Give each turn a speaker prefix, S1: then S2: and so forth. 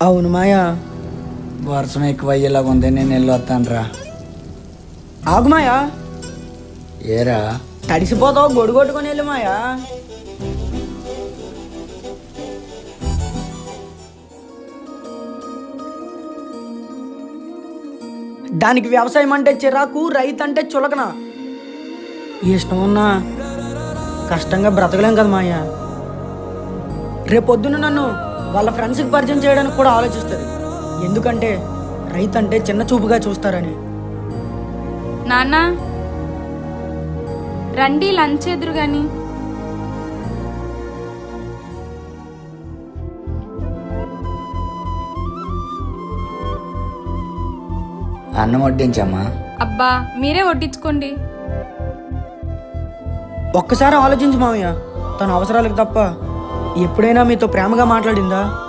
S1: అవును మాయా.
S2: వర్షం ఎక్కువ అయ్యేలాగా ఉంది, నేను వెళ్ళొస్తానురా.
S1: ఆగు మాయా,
S2: ఏరా?
S1: తడిసిపోతావు, గొడుగు కొట్టుకొని వెళ్ళు మాయా. దానికి వ్యవసాయం అంటే చిరాకు, రైతు అంటే చులకన. ఇష్టం ఉన్నా కష్టంగా బ్రతకలేం కదా మాయా. రేపొద్దున నన్ను వాళ్ళ ఫ్రెండ్స్కి పరిచయం చేయడానికి కూడా ఆలోచిస్తుంది. ఎందుకంటే రైతు అంటే చిన్న చూపుగా చూస్తారని.
S3: నాన్న రండి, లంచ్ ఎదురు గాని.
S2: అన్నం వడ్డించమ్మా.
S3: అబ్బా మీరే వడ్డించుకోండి.
S1: ఒక్కసారి ఆలోచించు మామయ్య, తన అవసరాలకు తప్ప ఎప్పుడైనా మీతో ప్రేమగా మాట్లాడిందా?